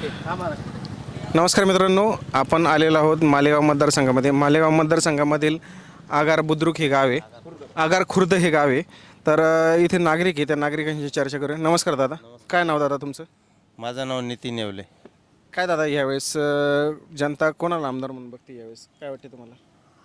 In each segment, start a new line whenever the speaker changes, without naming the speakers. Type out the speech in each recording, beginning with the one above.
नमस्कार मित्रांनो, आपण आलेलो आहोत मालेगाव मतदारसंघामध्ये. मालेगाव मतदारसंघामधील आगार बुद्रुक हे गाव आहे, आगार खुर्द हे गाव आहे. तर इथे नागरिक आहे, त्या नागरिकांशी चर्चा करूया. नमस्कार दादा, काय नाव दादा तुमचं?
माझं नाव नितीन येवले.
काय दादा यावेळेस जनता कोणाला आमदार म्हणून बघते यावेळेस, काय वाटते तुम्हाला?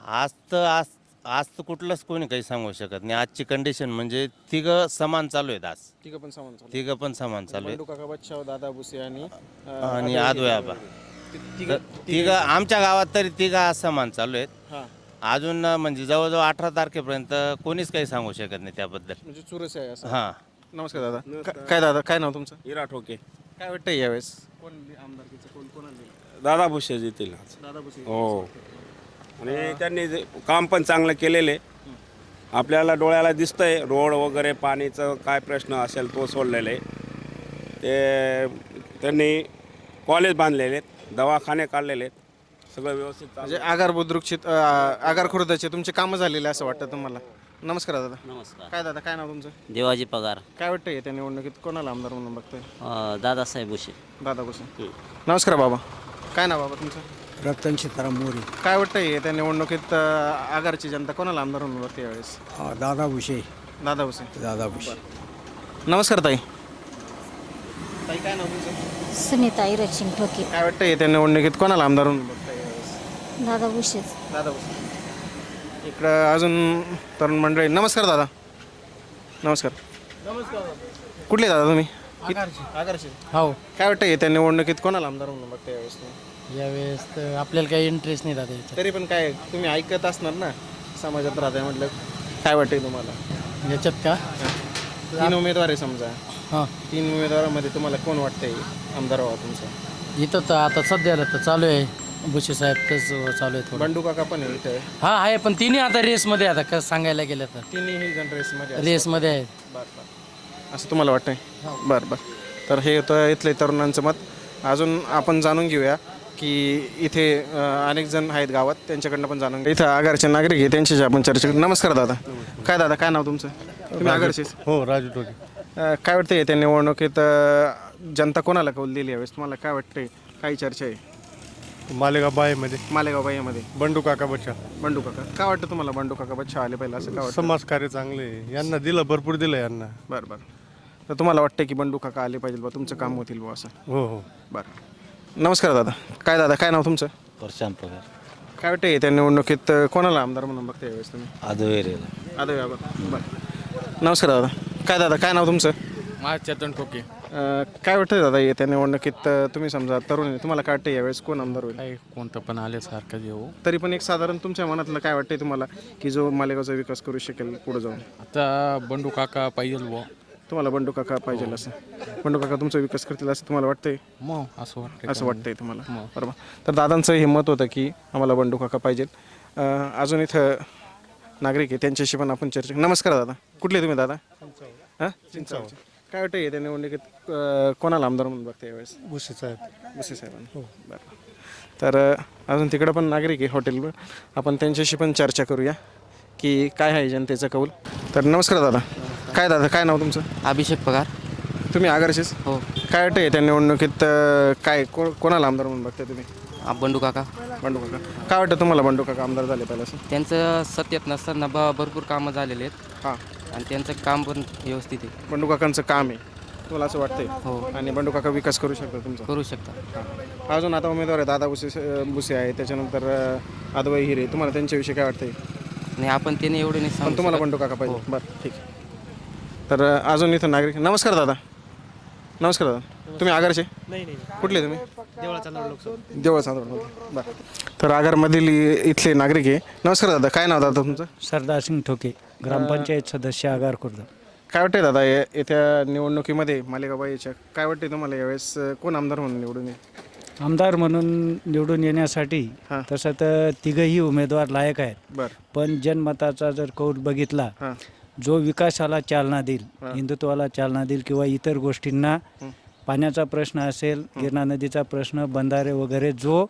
आज तर कुठलंच कोणी काही सांगू शकत नाही. आजची कंडिशन म्हणजे तिघं समान चालू आहेत. आज
तिघं पण समान चालू
तिघं पण समान चालू आहेत.
बंडू काका बच्चाव, दादा भुसे आणि
आणि आदोय आबा
तिघं
तिघं आमच्या गावात तरी तिघं आज समान चालू आहेत.
हां,
अजून म्हणजे जवळजवळ 18 तारखेपर्यंत कोणीच काही सांगू शकत नाही त्याबद्दल.
म्हणजे चुरस आहे असं.
हां,
नमस्कार दादा, काय दादा काय नाव तुमचं?
इरा ठोके
काय वाटतं यावेळेस कोण आमदारकीचं कोणाला देईल?
दादा भुसे येतील आज.
दादा भुसे.
हो, आणि त्यांनी काम पण चांगलं केलेले. आपल्याला डोळ्याला दिसतंय रोड वगैरे पाणीचं काय प्रश्न असेल तो सोडलेले. ते त्यांनी कॉलेज बांधलेले आहेत, दवाखाने काढलेले आहेत, सगळं व्यवस्थित चालू
म्हणजे आगार बुद्रुकचे आगार खुर्दाचे तुमचे कामं झालेले असं वाटतं तुम्हाला? नमस्कार दादा.
नमस्कार.
काय दादा काय नाव तुमचं?
देवाजी पगार.
काय वाटतं येत्या निवडणुकीत कोणाला आमदार म्हणून बघतोय?
दादासाहेब भुसे.
दादा भुसे. नमस्कार बाबा, काय नाव बाबा तुमचं?
रतन सीताराम मोरे.
काय वाटतं येत्या निवडणुकीत आगारची जनता कोणाला आमदार म्हणून बघते यावेळेस?
दादा भुसे.
दादा भुसे.
दादा भुसे.
नमस्कार ताई. ताई काय नाव तुमचं?
सुनीता इरचिंग ठोके.
काय वाटतं येत्या निवडणुकीत कोणाला आमदार म्हणून बघताय यावेळेस?
दादा भुसेच.
दादा भुसे. इकडं अजून तरुण मंडळी. नमस्कार दादा. नमस्कार. कुठले दादा तुम्ही? आगारचे.
हो,
काय वाटतं येत्या निवडणुकीत कोणाला आमदार म्हणून बघताय यावेळेस तुम्ही?
यावेळेस तर आपल्याला काही इंटरेस्ट नाही दादा याच्यात.
तरी पण काय तुम्ही ऐकत असणार ना, समाजात राहताय म्हटलं, काय वाटतंय तुम्हाला?
याच्यात का?
3 उमेदवार आहे समजा,
हां,
3 उमेदवारामध्ये तुम्हाला कोण वाटतंय आमदार व्हावा तुमचा?
इथं तर आता सध्याला तर चालू आहे भुसे साहेब तेच चालू आहे थोडं.
बंडू काका पण आहे इथे.
हा आहे, पण तिन्ही आता रेसमध्ये आता कसं सांगायला गेलं तर
तिन्ही जण रेसमध्ये असतात.
रेसमध्ये आहेत.
बरं बरं, असं तुम्हाला वाटतंय? बरं बरं. तर हे होतं इथले तरुणांचं मत. अजून आपण जाणून घेऊया की इथे अनेक जण आहेत गावात, त्यांच्याकडनं पण जाणून घेऊ. इथं आगारचे नागरिक आहे, त्यांच्याशी आपण चर्चा करू. नमस्कार दादा. काय दादा काय नाव तुमचं? तुम्ही आगारचेच?
हो, राजू टोके.
काय वाटतं येत्या निवडणुकीत जनता कोणाला कौल दिली यावेळेस तुम्हाला काय वाटतंय? काही चर्चा आहे
मालेगाव बायेमध्ये
मालेगाव बाईमध्ये?
बंडू काका बच्चा.
बंडू काका. काय वाटतं तुम्हाला बंडू काका बच्चा आले पाहिजे असं काय वाटतं?
समाजकार्य चांगले आहे. यांना दिलं, भरपूर दिलं यांना.
बरं बरं. तर तुम्हाला वाटतं की बंडू काका आले पाहिजे बा, तुमचं काम होतील बा असं?
हो हो.
बरं. नमस्कार दादा. काय दादा काय नाव तुमचं?
प्रशांत पगार.
काय वाटतं येत्या निवडणुकीत कोणाला आमदार म्हणून बघता यावेळेस तुम्ही?
आदोयरेला.
आदो बाबा. बरं. नमस्कार दादा. काय दादा काय नाव तुमचं?
चेतन ठोके.
काय वाटतं दादा येत्या निवडणुकीत तुम्ही समजा तरुण आहे, तुम्हाला काय वाटतं यावेळेस कोण आमदार होईल?
काय कोणतं पण आले सारखं येऊ.
तरी पण एक साधारण तुमच्या मनातलं काय वाटतंय तुम्हाला की जो मालेगावचा विकास करू शकेल पुढे जाऊन?
आता बंडू काका पाहिजे बुवा.
तुम्हाला बंडू काका पाहिजे असं? बंडू काका तुमचा विकास करतील असं तुम्हाला वाटतंय?
मग असं वाटतं.
असं वाटतंय तुम्हाला? बरोबर. तर दादांचं हे मत होतं की आम्हाला बंडू काका पाहिजेत. अजून इथं नागरिक आहे, त्यांच्याशी पण आपण चर्चा. नमस्कार दादा. कुठले तुम्ही दादा? हां, चिंचावळचे. काय वाटतं येत्या निवडणुकीत कोणाला आमदार म्हणून बघता यावेळेस?
भुसे साहेब.
भुसे साहेबांना. हो बरं. तर अजून तिकडं पण नागरिक आहे हॉटेलवर, आपण त्यांच्याशी पण चर्चा करूया की काय आहे जनतेचा कौल. तर नमस्कार दादा. काय दादा काय नाव तुमचं?
अभिषेक पगार.
तुम्ही आगारचेच?
हो.
काय वाटतं येत्या निवडणुकीत काय कोणाला आमदार म्हणून बघताय तुम्ही?
बंडू काका.
बंडू काका. काय वाटतं तुम्हाला बंडू काका आमदार झाले पाहिजे असं?
त्यांचं सत्यात नसताना भरपूर कामं झालेले आहेत
हां,
आणि त्यांचं काम पण व्यवस्थित आहे.
बंडू काकांचं काम आहे तुम्हाला असं वाटतंय?
हो,
आणि बंडू काका विकास करू शकतात तुमचा?
करू शकता.
हां. अजून आता उमेदवार आहे दादा भुसे आहे, त्याच्यानंतर आदवाई हिरे. तुम्हाला त्यांच्याविषयी काय वाटतंय?
आणि आपण त्याने एवढे नाही
पण
सांगू
तुम्हाला
शकत.
बंडू काका पाहिजे? बरं ठीक आहे. तर अजून इथं नागरिक. नमस्कार दादा. नमस्कार दादा. तुम्ही आगारचे?
नाही नाही,
कुठले तुम्ही?
देवळाचा लोक.
देवळा. बरं. तर आगारमधील इथले नागरिक आहे. नमस्कार दादा. काय नाव दादा तुमचं?
सरदार सिंग ठोके, ग्रामपंचायत सदस्य आगार खुर्द.
काय वाटतंय दादा येत्या निवडणुकीमध्ये मालेगावच्या काय वाटतंय तुम्हाला यावेळेस कोण आमदार म्हणून निवडून येईल?
आमदार म्हणून निवडून येण्यासाठी
हां.
तसं तर तिघही उमेदवार लायक आहेत.
बरं.
पण जनमताचा जर कौल बघितला,
हां.
जो विकासाला चालना देईल, हिंदुत्वाला चालना देईल किंवा इतर गोष्टींना, पाण्याचा प्रश्न असेल, गिरणा नदीचा प्रश्न, बंधारे वगैरे, जो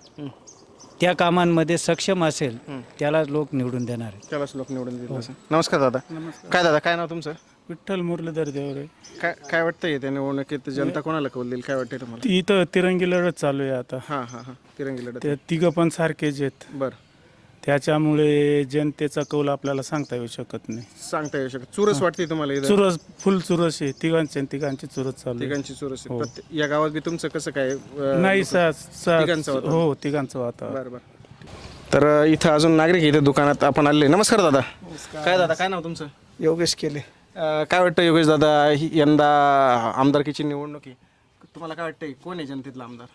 त्या कामांमध्ये सक्षम असेल त्याला लोक निवडून देणार आहेत.
त्यालाच लोक निवडून देतील असं. नमस्कार दादा. काय दादा काय नाव तुमचं?
विठ्ठल मुरलीधर देवरे.
काय काय वाटतंय त्या निवडणुकीत जनता कोणाला कौल देईल, काय वाटतंय तुम्हाला?
ती इथं तिरंगी लढत चालू आहे आता.
हां हां हां, तिरंगी लढत.
ते तिघं पण सारखेच आहेत.
बरं,
त्याच्यामुळे जनतेचा कौल आपल्याला सांगता येऊ शकत नाही.
सांगता येऊ शकत. चुरस वाटते तुम्हाला इथं?
चुरस, फुल चुरस आहे. तिघांची चुरस चालू आहे.
तिघांची चुरस आहे.
हो.
या गावात बी तुमचं कसं काय
नाही
तिघांचं वातावरण?
हो, तिघांचं वातावरण.
बरं बरं. तर इथं अजून नागरिक इथं दुकानात आपण आले. नमस्कार दादा. काय दादा, काय नाव तुमचं?
योगेश केले.
काय वाटतं योगेश दादा, यंदा आमदारकीची निवडणूक आहे, तुम्हाला काय वाटतंय कोण आहे जनतेतला आमदार?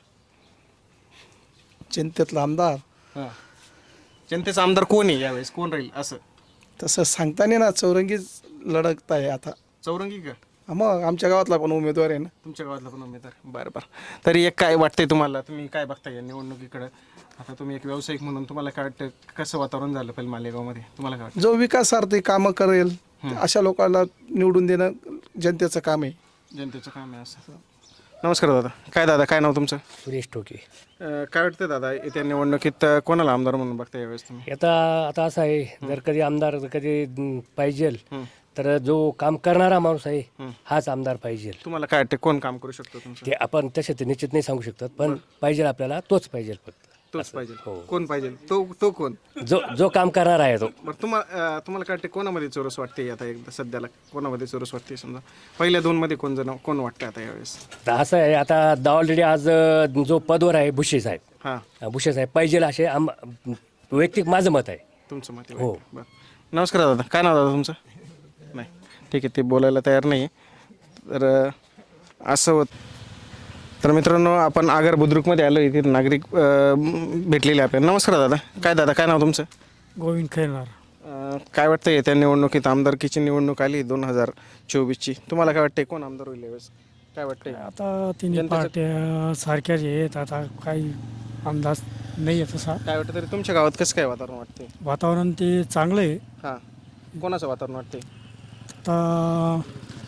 जनतेतला आमदार
हां, जनतेचा आमदार कोण आहे यावेळेस, कोण राहील असं?
तसं सांगता नाही ना, चौरंगीच लढत आहे आता.
चौरंगी का?
मग आमच्या गावातला पण उमेदवार आहे ना.
तुमच्या गावातला पण उमेदवार? बरं बरं. तरी एक काय वाटतंय तुम्हाला, तुम्ही काय बघताय या निवडणुकीकडं? आता तुम्ही एक व्यावसायिक म्हणून तुम्हाला काय वाटतं, कसं वातावरण झालं पाहिजे मालेगावमध्ये, तुम्हाला काय वाटतं?
जो विकासार्थी कामं करेल अशा लोकांना निवडून देणं जनतेचं काम आहे.
जनतेचं काम आहे असं. नमस्कार दादा. काय दादा, काय नाव तुमचं?
सुरेश टोके.
काय वाटतं दादा, येत्या निवडणुकीत कोणाला आमदार म्हणून बघता यावेळेस तुम्ही?
आता असं आहे, जर कधी आमदार कधी पाहिजे तर जो काम करणारा माणूस आहे हाच आमदार पाहिजे.
तुम्हाला काय वाटतं कोण काम करू शकतो तुमचं?
ते आपण तसे ते निश्चित नाही सांगू शकतात, पण पाहिजे आपल्याला तोच पाहिजे. फक्त
तोच पाहिजे. कोण पाहिजे? तो कोण?
जो काम करणार आहे तो.
बरं, तुम्हाला काय वाटते कोणामध्ये चोरस वाटते आता एकदा सध्याला, कोणामध्ये चोरस वाटते? समजा पहिल्या दोनमध्ये कोण वाटतं आता यावेळेस?
तर असं आहे, आता ऑलरेडी आज जो पदवर आहे भुसे साहेब,
हां,
भुसे साहेब पाहिजे असे वैयक्तिक माझं मत आहे.
तुमचं मत?
हो.
बरं. नमस्कार दादा. काय नाव दादा तुमचं? नाही, ठीक आहे, ते बोलायला तयार नाही. तर असं होत. तर मित्रांनो, आपण आगर बुद्रुकमध्ये आलो. इथे नागरिक भेटलेले आपल्याला. नमस्कार दादा. काय नाव तुमचं?
गोविंद खैरनार.
काय वाटतं येत्या निवडणुकीत आमदारकीची निवडणूक आली 2024ची, तुम्हाला काय वाटतंय कोण आमदार होईल यावेळेस, काय वाटतंय?
आता तिन्ही पार्ट्या सारख्याच आहेत, आता काही अंदाज नाही आहे तसा.
काय वाटतं तरी तुमच्या गावात कसं काय वातावरण वाटतंय?
वातावरण ते चांगलं आहे.
हां, कोणाचं वातावरण वाटतंय?
आता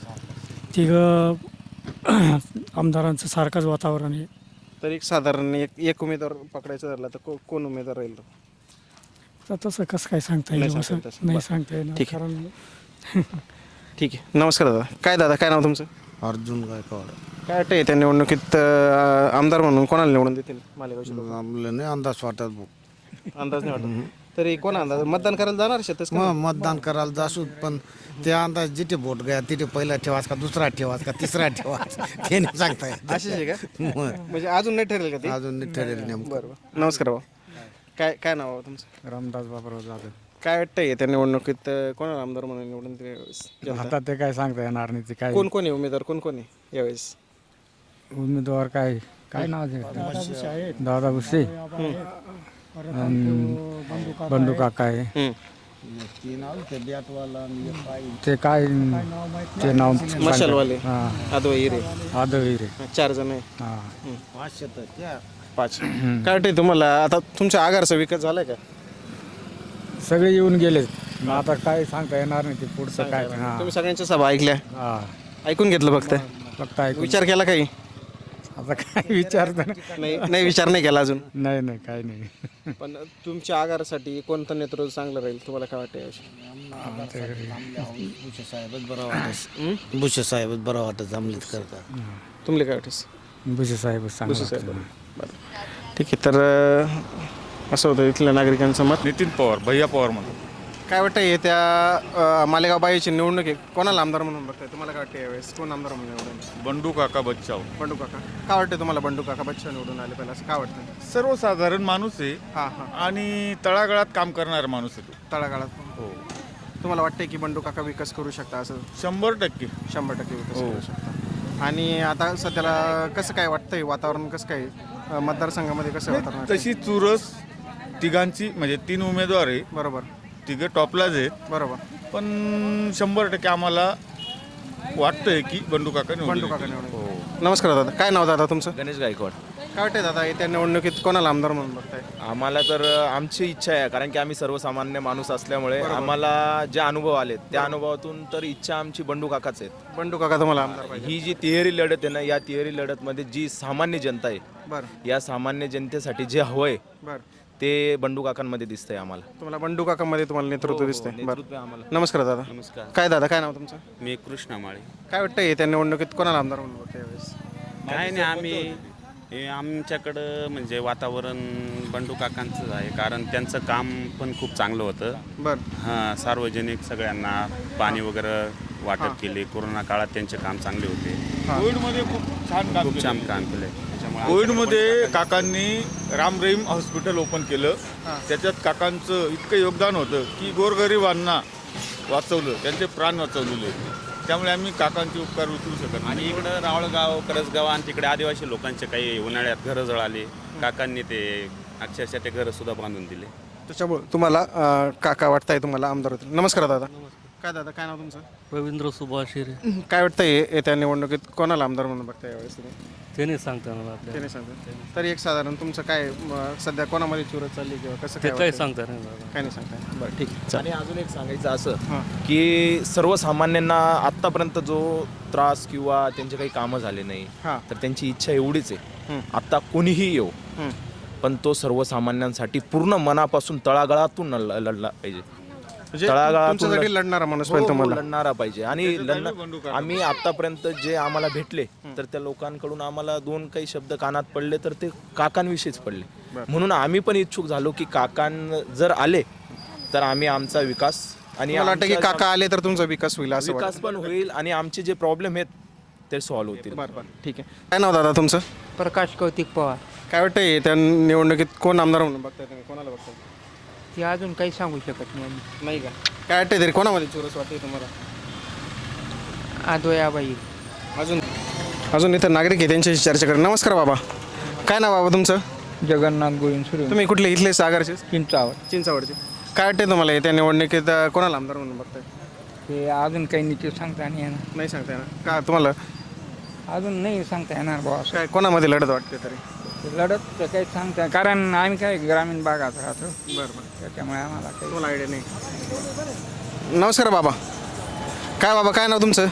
तिघं आमदारांचं सारखंच वातावरण आहे.
तर एक साधारण एक उमेदवार पकडायचा झाला तर कोण उमेदवार राहील तो?
तर तसं कसं काय सांगता येईल? असं नाही सांगता येईल.
ठीक आहे.
कारण
ठीक आहे. नमस्कार दादा. काय नाव तुमचं?
अर्जुन गायकवाड.
काय वाटतंय त्या निवडणुकीत आमदार म्हणून कोणाला निवडून देतील मालेगावचे लोक?
आम्हाला नाही अंदाज वाटत भाऊ.
अंदाज नाही वाटत. तरी कोण अंदाज? मतदान करायला जाणार शेतच का?
मतदान करायला जासू, पण ते अंदाज जिथे बोट गया तिथे पहिला ठेवाच का दुसरा ठेवाच का तिसरा ठेवाच ते नाही सांगता येत.
अशीच आहे का? म्हणजे अजून नाही ठरेल का ते?
अजून नाही ठरेल नेमकं.
बरं. नमस्कार भाऊ. काय नाव आहे तुमचं?
रामदास बाबराव जाधव.
काय वाटतंय त्या निवडणुकीत कोणाला आमदार म्हणून निवडून दिले यावेळेस?
आता ते काय सांगता येणार नाही. ते काय
कोण आहे उमेदवार, कोण आहे यावेळेस?
उमेदवार काय नाव आहे? दादा भुसे, बंडू काका आहे. ते काय ते नाव
मशालवाले,
हां,
आदवा हिरे,
आदवीर
4 जण आहे.
हां.
5. काय वाटतंय तुम्हाला, आता तुमच्या आगारचा विकास झालाय का?
सगळे येऊन गेले. आता काय सांगता येणार नाही ते पुढचं काय. हां,
तुम्ही सगळ्यांच्या सभा ऐकल्या,
हां,
ऐकून घेतलं फक्त?
फक्त ऐकून.
विचार केला काही?
आता काय विचारता
नाही विचार नाही केला अजून.
नाही काय नाही.
पण तुमच्या आगारासाठी कोणतं नेतृत्व चांगलं राहील, तुम्हाला काय वाटतं याविषयी?
भुसे साहेबच बरं वाटत. भुसे साहेबच बरं वाटत जमलीत करता.
तुमले काय वाटतं?
भुसे साहेब
भुसे साहेब. बरं, ठीक आहे. तर असं होतं इथल्या नागरिकांचं मत.
नितीन पवार, भैया पवार म्हणून.
काय वाटतं येत्या मालेगाव बाईची निवडणूक आहे, कोणाला आमदार म्हणून बघताय, तुम्हाला काय वाटतं यावेळेस कोण आमदार म्हणून निवडून?
बंडू काका बच्चाव.
बंडू काका. काय वाटतं तुम्हाला बंडू काका बच्चा निवडून आले पाहिजे असं काय वाटतं?
सर्वसाधारण माणूस आहे
हां हां,
आणि तळागाळात काम करणारा माणूस आहे तो.
तळागाळात.
हो,
तुम्हाला वाटतंय की बंडू काका विकास करू शकता असं?
100%.
100% विकास करू शकता. आणि आता सध्याला कसं काय वाटतंय वातावरण, कसं काय मतदारसंघामध्ये कसं वातावरण आहे?
तशी चुरस तिघांची, म्हणजे 3 उमेदवार आहे,
बरोबर,
तिघं टॉपलाच आहेत.
बरोबर.
पण 100% आम्हाला वाटतंय की बंडू काका
बंडू काका
निवडून.
निवडून. नमस्कार दादा. काय नाव दादा तुमचं?
गणेश गायकवाड.
काय वाटतंय दादा येत्या निवडणुकीत कोणाला आमदार म्हणून बघताय?
आम्हाला तर आमची इच्छा आहे, कारण की आम्ही सर्वसामान्य माणूस असल्यामुळे आम्हाला जे अनुभव आलेत त्या अनुभवातून तर इच्छा आमची बंडू काकाच आहेत.
बंडू काका तुम्हाला आमदार पाहिजे?
ही जी तिहेरी लढत आहे ना, या तिहेरी लढतमध्ये जी सामान्य जनता आहे,
बरं
या सामान्य जनतेसाठी जे हवं आहे
बरं.
ते बंडू काकांमध्ये दिसतंय आम्हाला.
तुम्हाला बंडू काकामध्ये तुम्हाला नेतृत्व दिसतंय.
नेतृत्व आम्हाला.
नमस्कार दादा.
नमस्कार.
काय दादा काय नाव तुमचं?
मी कृष्णा माळे.
काय वाटतंय त्या निवडणुकीत कोणाला आमदार म्हणून बघताय यावेळेस?
काय नाही, आम्ही आमच्याकडं म्हणजे वातावरण बंडू काकांचंच आहे, कारण त्यांचं काम पण खूप चांगलं होतं.
बरं.
हां, सार्वजनिक सगळ्यांना पाणी वगैरे वाटप केले. कोरोना काळात त्यांचे काम चांगले होते.
कोविडमध्ये खूप छान काम
खूप छान काम केलं.
कोविडमध्ये काकांनी राम रहीम हॉस्पिटल ओपन केलं. त्याच्यात काकांचं इतकं योगदान होतं की गोरगरिबांना वाचवलं, त्यांचे प्राण वाचवलेले. त्यामुळे आम्ही काकांचे उपकार उचलू शकत नाही.
आणि इकडं रावळगाव, करसगाव आणि तिकडे आदिवासी लोकांचे काही उन्हाळ्यात घरं जळाले. काकांनी ते अक्षरशः ते घरं सुद्धा बांधून दिले.
त्याच्यामुळे तुम्हाला काका वाटताय तुम्हाला आमदार होतील. नमस्कार दादा. काय दादा काय नाव तुमचं?
रवींद्र सुभाष हिरे.
काय वाटतंय येत्या निवडणुकीत कोणाला आमदार म्हणून बघताय यावेळेस तुम्ही?
ते नाही सांगता मला
ते नाही सांगता. तरी एक साधारण तुमचं काय सध्या कोणामध्ये चुरत चालली किंवा कसं काय
काय
वाटतंय?
सांगता नाही मला.
काय नाही सांगताय. बरं ठीक आहे.
आणि अजून एक सांगायचं असं की सर्वसामान्यांना आत्तापर्यंत जो त्रास किंवा त्यांचे काही कामं झाले नाही,
हां.
तर त्यांची इच्छा एवढीच आहे, आत्ता कोणीही येऊ पण तो सर्वसामान्यांसाठी पूर्ण मनापासून तळागाळातून लढला पाहिजे.
म्हणजे
तळागाळातून
तुमच्यासाठी लढणारा माणूस पाहिजे तुम्हाला.
लढणारा पाहिजे. आणि आम्ही आतापर्यंत जे आम्हाला भेटले तर त्या लोकांकडून आम्हाला दोन काही शब्द कानात पडले तर ते काकांविषयीच पडले. म्हणून आम्ही पण इच्छुक झालो की काकां जर आले तर आम्ही आमचा विकास आणि
मला वाटतं की काका आले तर तुमचा विकास होईल असं
विकास पण होईल आणि आमचे जे प्रॉब्लेम आहेत ते सॉल्व्ह होतील.
बरं बरं ठीक आहे. काय नाव दादा तुमचं?
प्रकाश कौतिक पवार.
काय वाटतंय त्या निवडणुकीत कोण आमदार म्हणून बघताय तुम्ही? कोणाला बघताय?
ते अजून काही सांगू शकत नाही आम्ही.
नाही का? काय वाटतंय तरी कोणामध्ये चुरस वाटते तुम्हाला?
आदोयाबाई.
अजून इथं नागरिक आहे त्यांच्याशी चर्चा करू. नमस्कार बाबा. काय नाव बाबा तुमचं?
जगन्नाथ गोविंद सुरू.
तुम्ही कुठले इथले सागरचे?
चिंचावड.
काय वाटते तुम्हाला येत्या निवडणुकीत कोणाला आमदार म्हणून बघताय?
ते अजून काही नीट सांगता नाही येणार.
नाही सांगता येणार का तुम्हाला?
अजून नाही सांगता येणार बुवा.
काय कोणामध्ये लढत वाटते तरी?
लढत तर काही सांगता, कारण आम्ही काय ग्रामीण भागात राहतो,
बरं बरं.
त्याच्यामुळे आम्हाला काही
तुम्हाला आयडिया नाही. नमस्कार बाबा. काय बाबा काय नाव तुमचं?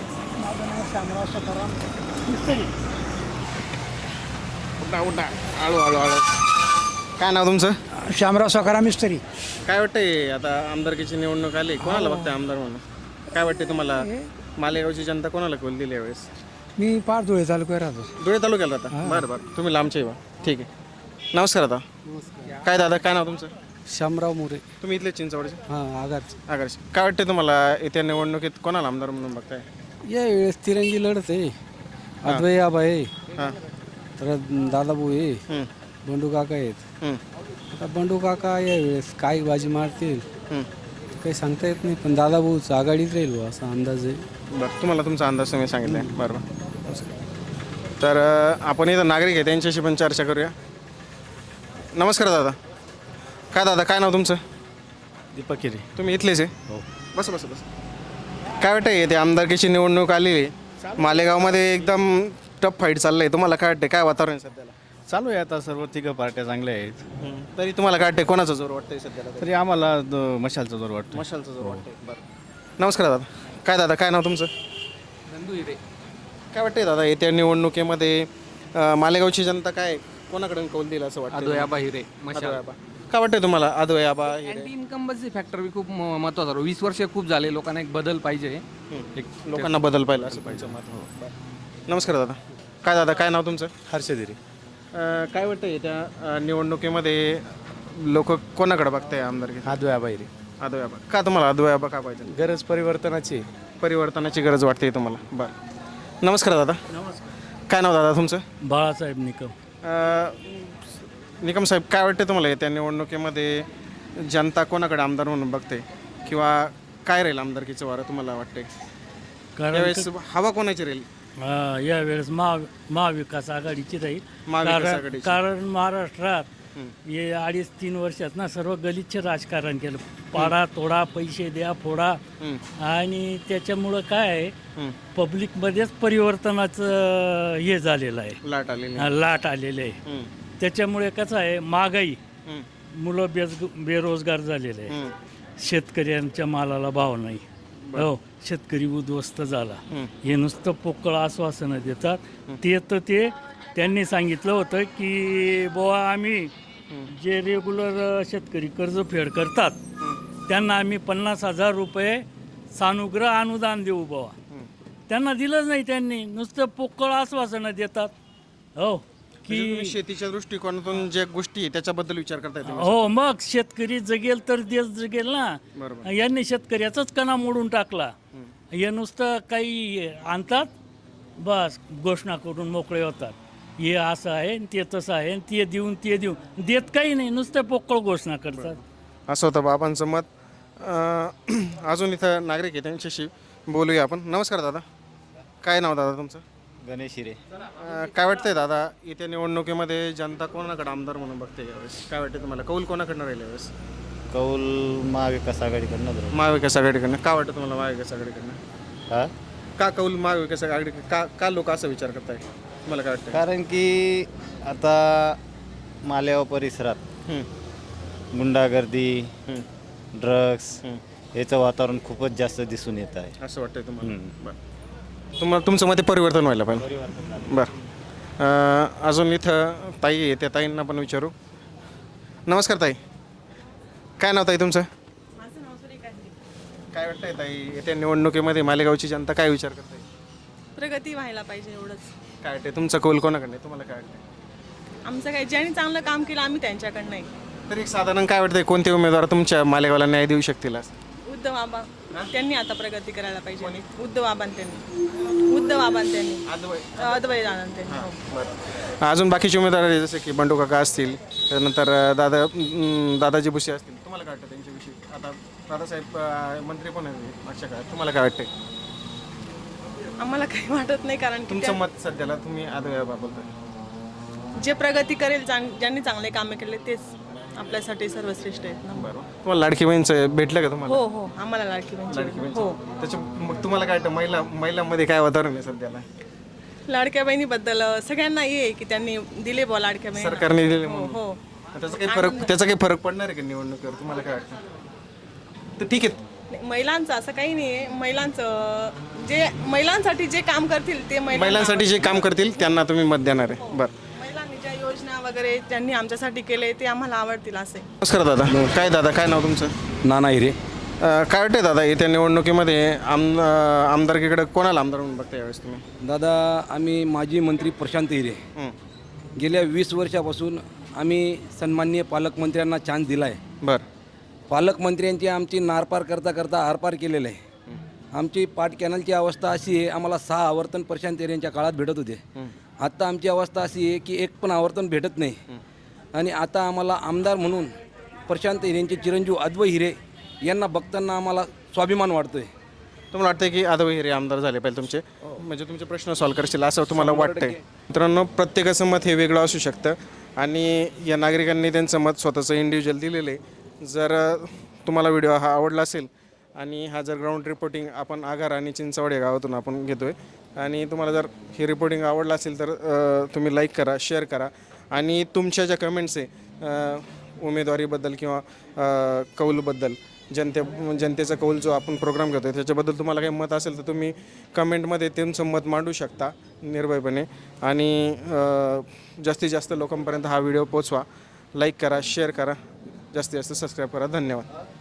उठा आळू आळू आळू. काय नाव तुमचं?
शामराव सकाराम मिस्त्री.
काय वाटतंय आता आमदारकीची निवडणूक आली, कोणाला बघताय आमदार म्हणून? काय वाटते तुम्हाला? मालेगावची जनता कोणाला कौल दिली यावेळेस?
मी पार धुळे तालुक्यात राहतो.
धुळे तालुक्याला राहता? बरं बरं. तुम्ही लांबचे बा. ठीक आहे. नमस्कार दादा. काय दादा काय नाव तुमचं?
शामराव मोरे.
तुम्ही इथले चिंचवडचे?
हां आगाच.
आगरचे. काय वाटते तुम्हाला येत्या निवडणुकीत कोणाला आमदार म्हणून बघताय?
यावेळेस तिरंगी लढत आहे. अद्वै आबा आहे,
हां
तर दादाभाऊ आहे, बंडू काका आहेत. आता बंडू काका यावेळेस काय बाजी मारतील काही सांगता येत नाही, पण दादाभाऊच आघाडीत राहील बुवा असा अंदाज आहे.
बरं तुम्हाला तुमचा अंदाज तुम्ही सांगितला आहे. बरं तर आपण इथं नागरिक आहे त्यांच्याशी पण चर्चा करूया. नमस्कार दादा. काय दादा काय नाव तुमचं?
दीपक केरे.
तुम्ही इथलेच आहे? बस बस बस. काय वाटतंय ते आमदारकीची निवडणूक आलेली आहे मालेगावमध्ये, एकदम टफ फाईट चाललं आहे. तुम्हाला काय वाटतंय, काय वातावरण आहे सध्याला?
चालू आहे आता, सर्व तिघं पार्ट्या चांगल्या आहेत.
तरी तुम्हाला काय वाटतंय, कोणाचा जोर वाटतंय सध्याला?
तरी आम्हाला मशालचा जोर वाटतो.
मशालचा जोर वाटतंय. बरं नमस्कार दादा. काय दादा काय नाव तुमचं?
नंदू हिरे.
काय वाटतंय दादा येत्या निवडणुकीमध्ये मालेगावची जनता काय कोणाकडून कौल दिला असं वाटतं?
आदोयाबा हिरे.
आदोयाबा. काय वाटतंय तुम्हाला? आदोयाबा
अँटी इन्कमबलचे फॅक्टर खूप महत्त्वाचा. 20 वर्ष खूप झाले, लोकांना एक बदल पाहिजे.
एक लोकांना बदल पाहिजे असं पाहिजे मत. नमस्कार दादा. काय दादा काय नाव तुमचं?
हर्षद हिरे.
काय वाटतंय त्या निवडणुकीमध्ये लोक कोणाकडे बघताय आमदारकी?
अद्वै हिरे.
आदोयाबा. का तुम्हाला आदोयाबा का पाहिजे?
गरज परिवर्तनाची.
परिवर्तनाची गरज वाटते तुम्हाला? बरं नमस्कार दादा. काय नाव दादा तुमचं?
बाळासाहेब निकम.
निकम साहेब काय वाटते तुम्हाला येत्या निवडणुकीमध्ये जनता कोणाकडे आमदार म्हणून बघते, किंवा काय राहील आमदारकीचं वारं तुम्हाला वाटते? यावेळेस हवा कोणाची राहील?
यावेळेस महाविकास आघाडीची राहील.
महाविकास आघाडीची.
कारण महाराष्ट्रात हे 2.5-3 वर्षात ना सर्व गलिच्छ राजकारण केलं. पाडा तोडा, पैसे द्या फोडा, आणि त्याच्यामुळं काय आहे, पब्लिकमध्येच परिवर्तनाचं हे झालेलं आहे, लाट आलेलं आहे. त्याच्यामुळे कसं आहे, महागाई, मुलं बेरोजगार झालेले आहे, शेतकऱ्यांच्या मालाला भाव नाही, हो शेतकरी उद्ध्वस्त झाला. हे नुसतं पोकळ आश्वासनं देतात. ते त्यांनी सांगितलं होतं की बुवा आम्ही जे रेग्युलर शेतकरी कर्जफेड करतात त्यांना आम्ही 50,000 रुपये सानुग्रह अनुदान देऊ बाबा. त्यांना दिलंच नाही त्यांनी, नुसतं पोकळ आश्वासनं देतात. हो की
शेतीच्या दृष्टिकोनातून ज्या गोष्टी आहे त्याच्याबद्दल विचार करताय तुम्ही?
हो, मग शेतकरी जगेल तर देश जगेल ना.
बरोबर.
यांनी शेतकऱ्याचाच कणा मोडून टाकला. हे नुसतं काही आणतात, बस घोषणा करून मोकळे होतात. हे असं आहे आणि ते तसं आहे आणि ते देऊन देत काही नाही, नुसतं पोकळ घोषणा करतात.
असं होतं बाबांचं मत. अजून इथं नागरिक आहे, त्यांच्याशी बोलूया आपण. नमस्कार दादा, काय नाव दादा तुमचं?
गणेश हिरे.
काय वाटतंय दादा, येत्या निवडणुकीमध्ये जनता कोणाकडे आमदार म्हणून बघते यावेळेस? काय वाटतं तुम्हाला, कौल कोणाकडनं राहील यावेळेस?
कौल महाविकास आघाडीकडनं.
महाविकास आघाडीकडनं. का वाटतं तुम्हाला महाविकास आघाडीकडनं?
हा,
का कौल महाविकास आघाडी, का लोक असं विचार करताय? तुम्हाला काय वाटतं?
कारण की आता मालेगाव परिसरात गुंडागर्दी, ड्रग्स याचं वातावरण खूपच जास्त दिसून येत आहे.
असं वाटतंय तुम्हाला? बरं. तुमचं मते परिवर्तन व्हायला पाहिजे. बरं. अजून इथं ताई आहे, त्या ताईंना पण विचारू. नमस्कार ताई, काय नाव ताई तुमचं? काय वाटतंय ताई, येत्या निवडणुकीमध्ये मालेगावची जनता काय विचार करते?
प्रगती व्हायला पाहिजे एवढंच.
काय वाटते तुमचा कौल कोणाकडे? तुम्हाला काय वाटतं?
आमचं काही ज्यांनी चांगलं काम केलं आम्ही त्यांच्याकडनं नाही.
तरी साधारण काय वाटतंय, कोणते उमेदवार तुमच्या मालेगावला न्याय देऊ शकतील?
उद्धव बाबा त्यांनी आता प्रगती करायला पाहिजे. उद्धव बाबांनी अद्वैत आनंद त्यांनी.
बरं. अजून बाकीचे उमेदवार आहेत, जसे की बंडू काका असतील, त्यानंतर दादाजी भुसे असतील. तुम्हाला काय वाटतं त्यांच्याविषयी? आता दादासाहेब मंत्री पण आहेत मागच्या काळात. तुम्हाला काय वाटतंय?
आम्हाला काही वाटत नाही, कारण की
तुमचं मत सध्याला तुम्ही बोलताय.
जे प्रगती करेल, ज्यांनी चांगले कामे केले तेच आपल्यासाठी सर्वश्रेष्ठ आहेत ना.
बरोबर. तुम्हाला लाडकी बहीणचं भेटलं का तुम्हाला?
हो हो, आम्हाला लाडकी बहीण. हो,
त्याच्या मग तुम्हाला काय वाटतं, महिलांमध्ये काय वातावरण आहे सध्याला?
लाडक्या बहिणीबद्दल सगळ्यांना हे आहे की त्यांनी दिले बॉ लाडक्या बहिणी.
सरकारने दिले
हो
म्हणून.
हो.
त्याचा काही फरक पडणार आहे का निवडणुकीवर? तुम्हाला काय वाटतं? तर ठीक आहे,
महिलांचं असं काही नाही आहे. महिलांसाठी जे काम करतील ते
महिलांसाठी जे काम करतील त्यांना तुम्ही मत देणार आहे. बरं.
महिलांनी ज्या योजना वगैरे त्यांनी आमच्यासाठी केले ते आम्हाला आवडतील असे.
नमस्कार दादा, काय नाव तुमचं?
नाना हिरे.
काय वाटतंय दादा, येत्या निवडणुकीमध्ये आमदारकीकडे कोणाला आमदार म्हणून बघता यावेळेस तुम्ही?
दादा, आम्ही माजी मंत्री प्रशांत हिरे गेल्या 20 वर्षापासून आम्ही सन्माननीय पालकमंत्र्यांना चान्स दिला आहे.
बरं.
पालकमंत्र्यांची आमची नारपार करता आरपार केलेलं आहे. आमची पाट कॅनलची अवस्था अशी आहे, आम्हाला 6 आवर्तन प्रशांत हिरेंच्या काळात भेटत होते. आत्ता आमची अवस्था अशी आहे की एक पण आवर्तन भेटत नाही. आणि आता आम्हाला आमदार म्हणून प्रशांत हिरेंचे चिरंजीव अद्वैत हिरे यांना बघताना आम्हाला स्वाभिमान वाटतोय.
तुम्हाला वाटतंय की अद्वैत हिरे आमदार झाले पाहिजे तुमचे, म्हणजे तुमचे प्रश्न सॉल्व्ह करतील असं तुम्हाला वाटतंय? मित्रांनो, प्रत्येकाचं मत हे वेगळं असू शकतं आणि या नागरिकांनी त्यांचं मत स्वतःचं इंडिव्हिज्युअल दिलेलं आहे. जर तुम्हाला व्हिडिओ हा आवडला असेल आणि हा जर ग्राउंड रिपोर्टिंग आपण आगार आणि चिंचवड या गावातून आपण घेतो आहे आणि तुम्हाला जर हे रिपोर्टिंग आवडलं असेल तर तुम्ही लाईक करा, शेअर करा आणि तुमच्या ज्या कमेंट्स आहे उमेदवारीबद्दल किंवा कौलबद्दल, जनतेचा कौल जो आपण प्रोग्राम घेतो आहे त्याच्याबद्दल तुम्हाला काही मत असेल तर तुम्ही कमेंटमध्ये तुमचं मत मांडू शकता निर्भयपणे. आणि जास्तीत जास्त लोकांपर्यंत हा व्हिडिओ पोचवा. लाईक करा, शेअर करा, जास्तीत जास्त सबस्क्राईब करा. धन्यवाद.